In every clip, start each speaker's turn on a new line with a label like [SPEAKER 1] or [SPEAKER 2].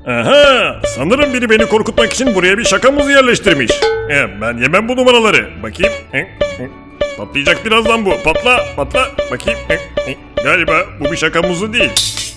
[SPEAKER 1] Aha, sanırım biri beni korkutmak için buraya bir şakamızı yerleştirmiş. Ben yemem bu numaraları. Bakayım. Patlayacak birazdan bu. Patla, patla. Bakayım. Galiba bu bir şakamuzu değil.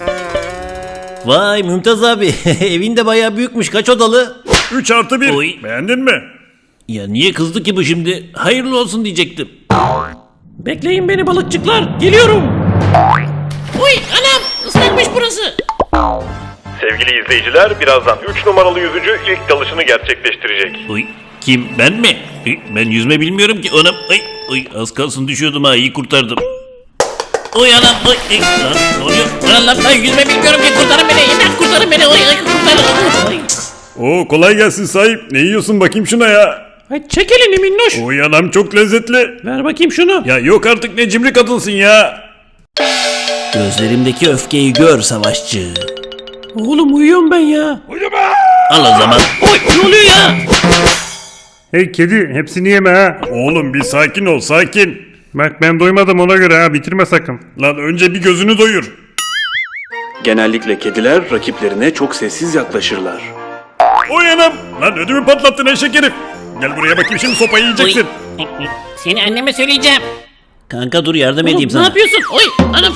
[SPEAKER 2] Vay Mümtaz abi, evin de bayağı büyükmüş. Kaç odalı?
[SPEAKER 1] 3+1.
[SPEAKER 2] Oy.
[SPEAKER 1] Beğendin mi?
[SPEAKER 2] Ya niye kızdı ki bu şimdi? Hayırlı olsun diyecektim.
[SPEAKER 3] Bekleyin beni balıkçıklar. Geliyorum. Uy anam ıslakmış burası.
[SPEAKER 1] Sevgili izleyiciler, birazdan 3 numaralı yüzücü ilk dalışını gerçekleştirecek.
[SPEAKER 2] Oy, kim, ben mi? Ben yüzme bilmiyorum ki. Anam, oy, az kalsın düşüyordum ha, iyi kurtardım. Oy anam, oy, lan ne oluyor? Lan ben yüzme bilmiyorum ki, kurtarın beni, imdat kurtarın beni, oy, kurtarın. Oy.
[SPEAKER 1] Oo, kolay gelsin sahip. Ne yiyorsun bakayım şuna ya?
[SPEAKER 3] Ay çek elini minnoş.
[SPEAKER 1] Oy anam, çok lezzetli.
[SPEAKER 3] Ver bakayım şunu.
[SPEAKER 1] Ya yok artık, ne cimri kadınsın ya.
[SPEAKER 2] Gözlerimdeki öfkeyi gör savaşçı.
[SPEAKER 3] Oğlum uyuyorum ben ya.
[SPEAKER 2] Al o zaman.
[SPEAKER 3] Oy ne oluyor ya?
[SPEAKER 4] Hey kedi, hepsini yeme ha.
[SPEAKER 1] Oğlum bir sakin ol, sakin.
[SPEAKER 4] Bak ben doymadım, ona göre ha, bitirme sakın.
[SPEAKER 1] Lan önce bir gözünü doyur.
[SPEAKER 5] Genellikle kediler rakiplerine çok sessiz yaklaşırlar.
[SPEAKER 1] Oy anam. Lan ödümü patlattın eşek herif. Gel buraya bakayım, şimdi sopayı yiyeceksin.
[SPEAKER 3] Seni anneme söyleyeceğim.
[SPEAKER 2] Kanka dur, yardım edeyim
[SPEAKER 3] Oğlum,
[SPEAKER 2] sana.
[SPEAKER 3] ne yapıyorsun? Oy anam.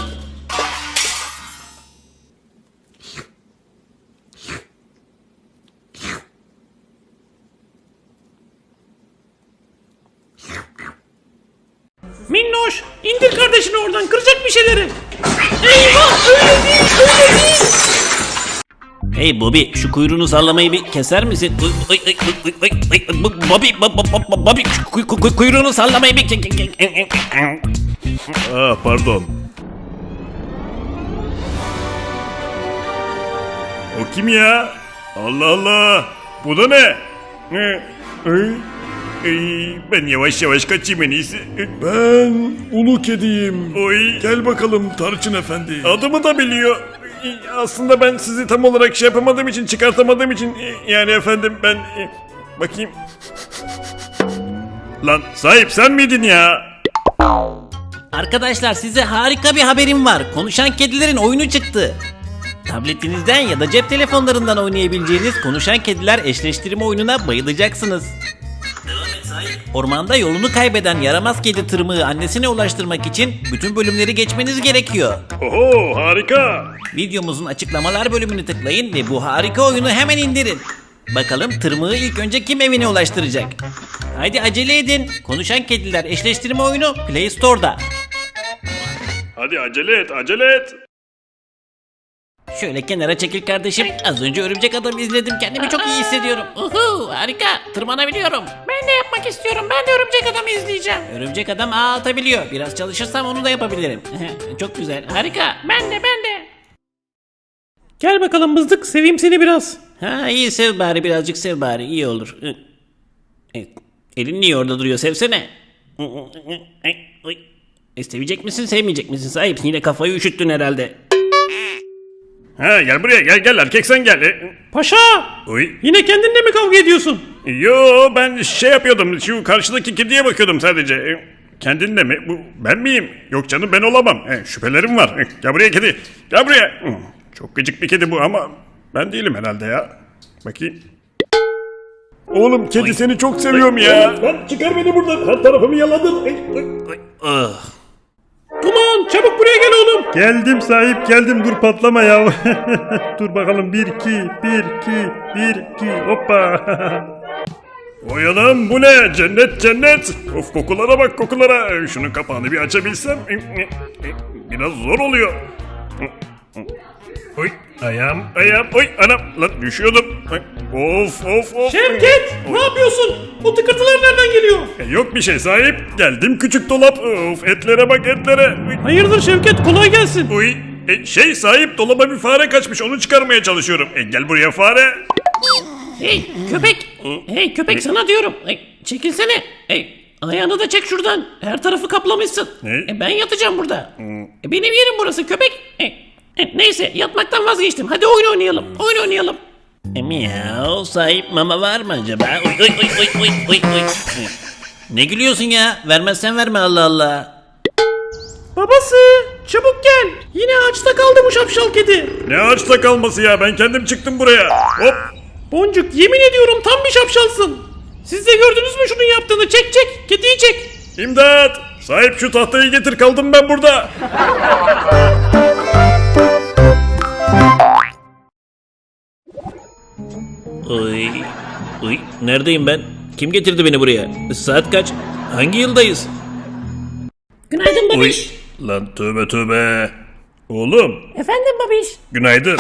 [SPEAKER 3] Minnoş indir kardeşini oradan, kıracak bir şeyleri. Eyvah, öyle değil, öyle değil.
[SPEAKER 2] Hey Bobby, şu kuyruğunu sallamayı bir keser misin? Bobby, şu kuyruğunu sallamayı bir...
[SPEAKER 1] Pardon. O kim ya? Allah Allah. Bu da ne? Ben yavaş yavaş kaçayım en iyisi. Ben ulu kediyim. Oy, gel bakalım Tarçın Efendi. Adımı da biliyor. Aslında ben sizi tam olarak şey yapamadığım için, çıkartamadığım için, yani efendim ben bakayım. Lan sahip, sen miydin ya?
[SPEAKER 2] Arkadaşlar, size harika bir haberim var. Konuşan kedilerin oyunu çıktı. Tabletinizden ya da cep telefonlarından oynayabileceğiniz Konuşan Kediler eşleştirme oyununa bayılacaksınız. Ormanda yolunu kaybeden yaramaz kedi tırmığı annesine ulaştırmak için bütün bölümleri geçmeniz gerekiyor.
[SPEAKER 1] Oho, harika.
[SPEAKER 2] Videomuzun açıklamalar bölümünü tıklayın ve bu harika oyunu hemen indirin. Bakalım tırmığı ilk önce kim evine ulaştıracak? Haydi acele edin. Konuşan Kediler eşleştirme oyunu Play Store'da.
[SPEAKER 1] Hadi acele et, acele et.
[SPEAKER 2] Şöyle kenara çekil kardeşim. Az önce Örümcek Adam izledim. Kendimi çok iyi hissediyorum.
[SPEAKER 3] Uhu, harika, tırmanabiliyorum. Ben de yapmak istiyorum, ben de Örümcek Adam'ı izleyeceğim.
[SPEAKER 2] Örümcek Adam ağ atabiliyor. Biraz çalışırsam onu da yapabilirim. Çok güzel.
[SPEAKER 3] Harika, ben de. Gel bakalım mızdık, seveyim seni biraz.
[SPEAKER 2] Ha, iyi, sev bari, birazcık sev bari, iyi olur. Evet. Elin niye orada duruyor, sevsene. Sevecek misin, sevmeyecek misin sahip? Yine kafayı üşüttün herhalde.
[SPEAKER 1] Ha, gel buraya, gel erkek sen gel.
[SPEAKER 3] Paşa,
[SPEAKER 1] Oy.
[SPEAKER 3] yine kendinle mi kavga ediyorsun?
[SPEAKER 1] Yo, ben şey yapıyordum, şu karşıdaki kediye bakıyordum sadece. Kendin de mi? Bu ben miyim? Yok canım, ben olamam. Şüphelerim var. Gel buraya kedi, gel buraya. Çok gıcık bir kedi bu ama ben değilim herhalde ya. Bakayım. Oğlum kedi, seni çok seviyorum ya. Lan çıkar beni buradan, her tarafımı yaladın.
[SPEAKER 3] Duman, çabuk buraya gel oğlum.
[SPEAKER 4] Geldim sahip, geldim, dur patlama ya. Dur bakalım, 1 2 1 2 hoppa.
[SPEAKER 1] Oy anam, bu ne? Cennet cennet. Of, kokulara bak, kokulara. Şunun kapağını bir açabilsem. Biraz zor oluyor. Oy, ayağım, oy anam, lan düşüyordum. Of.
[SPEAKER 3] Şevket, ne yapıyorsun? O tıkırtılar nereden geliyor?
[SPEAKER 1] Yok bir şey sahip. Geldim küçük dolap. Of, etlere bak, etlere.
[SPEAKER 3] Hayırdır Şevket, kolay gelsin.
[SPEAKER 1] Uy, sahip, dolaba bir fare kaçmış, onu çıkarmaya çalışıyorum. Gel buraya fare.
[SPEAKER 3] Hey köpek, hey köpek, sana diyorum. Çekilsene. Ayağını da çek şuradan. Her tarafı kaplamışsın.
[SPEAKER 1] Ne?
[SPEAKER 3] Ben yatacağım burada. Benim yerim burası köpek. Neyse, yatmaktan vazgeçtim. Hadi oyun oynayalım.
[SPEAKER 2] Miau, sahip mama var mı acaba? Oy. Ne gülüyorsun ya? Vermezsen verme, Allah Allah.
[SPEAKER 3] Babası çabuk gel. Yine ağaçta kaldı bu şapşal kedi.
[SPEAKER 1] Ne ağaçta kalması ya, ben kendim çıktım buraya. Hop.
[SPEAKER 3] Boncuk yemin ediyorum tam bir şapşalsın. Siz de gördünüz mü şunun yaptığını? Çek çek kediyi çek.
[SPEAKER 1] İmdat. Sahip şu tahtayı getir, kaldım ben burada.
[SPEAKER 2] Oy. Oy. Neredeyim ben? Kim getirdi beni buraya? Saat kaç? Hangi yıldayız?
[SPEAKER 3] Günaydın
[SPEAKER 1] Uy.
[SPEAKER 3] babiş.
[SPEAKER 1] Lan tövbe tövbe. Oğlum
[SPEAKER 3] Efendim babiş.
[SPEAKER 1] günaydın.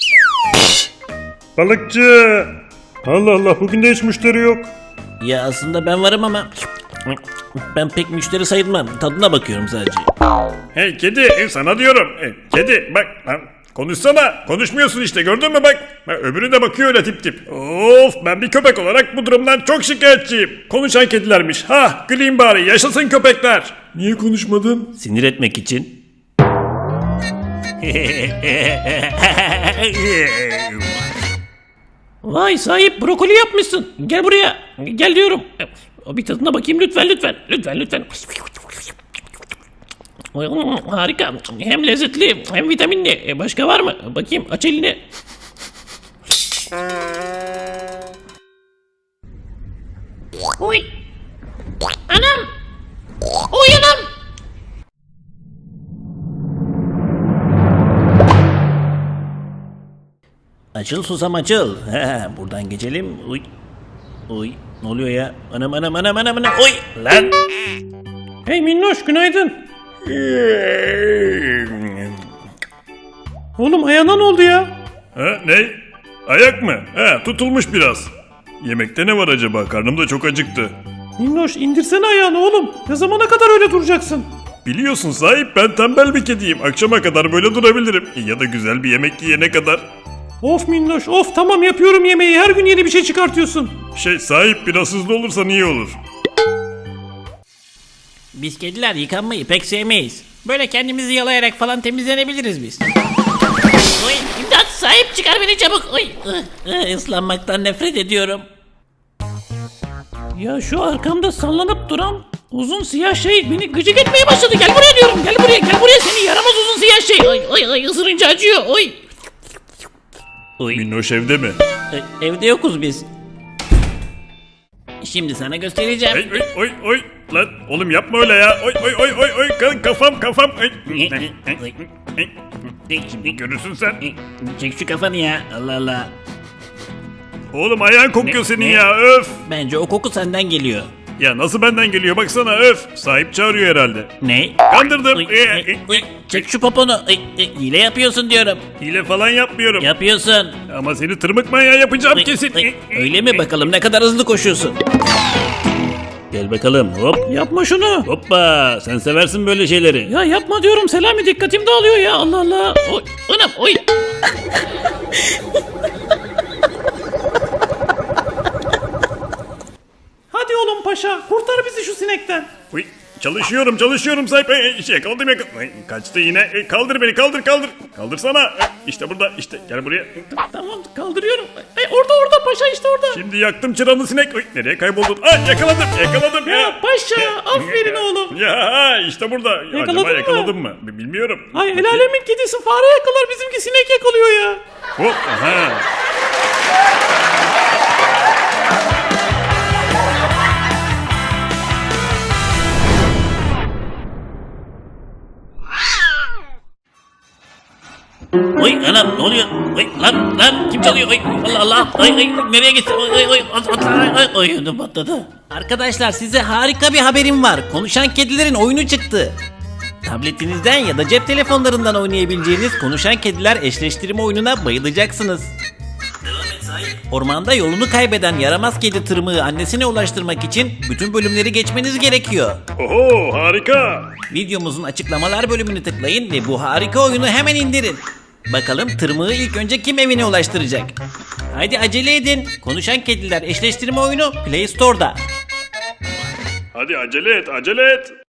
[SPEAKER 4] Balıkçı. Allah Allah, bugün de hiç müşteri yok.
[SPEAKER 2] Ya aslında ben varım ama ben pek müşteri sayılmam. Tadına bakıyorum sadece.
[SPEAKER 1] Hey kedi, sana diyorum. Kedi bak lan, konuşsana. Konuşmuyorsun işte, gördün mü bak. Bak, öbürü de bakıyor öyle tip tip. Of, ben bir köpek olarak bu durumdan çok şikayetçiyim. Konuşan kedilermiş. Ha, güleyim bari, yaşasın köpekler. Niye konuşmadın?
[SPEAKER 2] Sinir etmek için.
[SPEAKER 3] Vay sahip brokoli yapmışsın. Gel buraya. Gel diyorum. Bir tadına bakayım lütfen lütfen. Lütfen lütfen. Harika. Hem lezzetli hem vitaminli. Başka var mı? Bakayım aç elini. Oy. Anam. Oy anam.
[SPEAKER 2] Açıl susam açıl. Buradan geçelim. Uy. Uy. Ne oluyor ya? Anam anam anam anam anam. Oy. Lan.
[SPEAKER 3] Hey minnoş günaydın. Oğlum ayağına ne oldu ya?
[SPEAKER 1] Ha, ne? Ayak mı? Ha, tutulmuş biraz. Yemekte ne var acaba? Karnım da çok acıktı.
[SPEAKER 3] Minnoş indirsene ayağını oğlum. Ne zamana kadar öyle duracaksın?
[SPEAKER 1] Biliyorsun sahip, ben tembel bir kediyim. Akşama kadar böyle durabilirim. Ya da güzel bir yemek yiyene kadar.
[SPEAKER 3] Of minnoş of tamam yapıyorum yemeği. Her gün yeni bir şey çıkartıyorsun.
[SPEAKER 1] Sahip biraz hızlı olursan iyi olur.
[SPEAKER 2] Biz kediler yıkanmayı pek sevmeyiz. Böyle kendimizi yalayarak falan temizlenebiliriz biz. Oy. İmdat sahip çıkar beni çabuk. Oy. Islanmaktan nefret ediyorum.
[SPEAKER 3] Ya şu arkamda sallanıp duran uzun siyah şey beni gıcık etmeye başladı. Gel buraya diyorum. Gel buraya. Gel buraya seni yaramaz uzun siyah şey. Ay ay ay ısırınca acıyor. Oy.
[SPEAKER 2] Oy.
[SPEAKER 1] Minnoş evde mi?
[SPEAKER 2] Evde yokuz biz. Şimdi sana göstereceğim.
[SPEAKER 1] Oy oy oy oy. Lan oğlum yapma öyle ya. Oy oy oy oy oy. Kafam. Oy. Şimdi görürsün sen.
[SPEAKER 2] Çek şu kafanı ya. Allah Allah.
[SPEAKER 1] Oğlum ayağın kokuyor senin
[SPEAKER 2] ne?
[SPEAKER 1] ya, öf.
[SPEAKER 2] Bence o koku senden geliyor.
[SPEAKER 1] Ya nasıl benden geliyor baksana, öf. Sahip çağırıyor herhalde.
[SPEAKER 2] Ne?
[SPEAKER 1] Kandırdım.
[SPEAKER 2] Çek şu poponu. Hile yapıyorsun diyorum.
[SPEAKER 1] Hile falan yapmıyorum.
[SPEAKER 2] Yapıyorsun.
[SPEAKER 1] Ama seni tırmık manyağı yapacağım kesin.
[SPEAKER 2] Öyle mi bakalım ne kadar hızlı koşuyorsun. Gel bakalım hop.
[SPEAKER 3] Yapma şunu.
[SPEAKER 2] Hoppa sen seversin böyle şeyleri.
[SPEAKER 3] Ya yapma diyorum Selami dikkatim dağılıyor ya Allah Allah. Oy anam oy. Hadi oğlum paşa kurtar bizi şu sinekten.
[SPEAKER 1] Uy, çalışıyorum sahip. Yakaladım. Ay, kaçtı yine. Kaldır beni, kaldır. Kaldırsana. İşte burada, işte gel buraya.
[SPEAKER 3] Tamam kaldırıyorum. Orada paşa işte orada.
[SPEAKER 1] Şimdi yaktım çıranı sinek. Uy, nereye kayboldun? Ay, yakaladım.
[SPEAKER 3] Ya paşa aferin oğlum.
[SPEAKER 1] Ya işte burada.
[SPEAKER 3] Yakaladın
[SPEAKER 1] Acaba
[SPEAKER 3] mı?
[SPEAKER 1] yakaladım mı? Bilmiyorum.
[SPEAKER 3] Ay el alemin kedisi fare yakalar bizimki sinek yakalıyor ya.
[SPEAKER 1] Hop, aha.
[SPEAKER 2] Oy anam ne oluyor? Oy lan kim çalıyor? Oy Allah Allah. Ay nereye gitti? Oy ödüm patladı. Arkadaşlar size harika bir haberim var. Konuşan kedilerin oyunu çıktı. Tabletinizden ya da cep telefonlarından oynayabileceğiniz konuşan kediler eşleştirme oyununa bayılacaksınız. Ormanda yolunu kaybeden yaramaz kedi tırmığı annesine ulaştırmak için bütün bölümleri geçmeniz gerekiyor.
[SPEAKER 1] Oho, harika.
[SPEAKER 2] Videomuzun açıklamalar bölümünü tıklayın ve bu harika oyunu hemen indirin. Bakalım tırmığı ilk önce kim evine ulaştıracak? Haydi acele edin. Konuşan kediler eşleştirme oyunu Play Store'da.
[SPEAKER 1] Hadi acele et.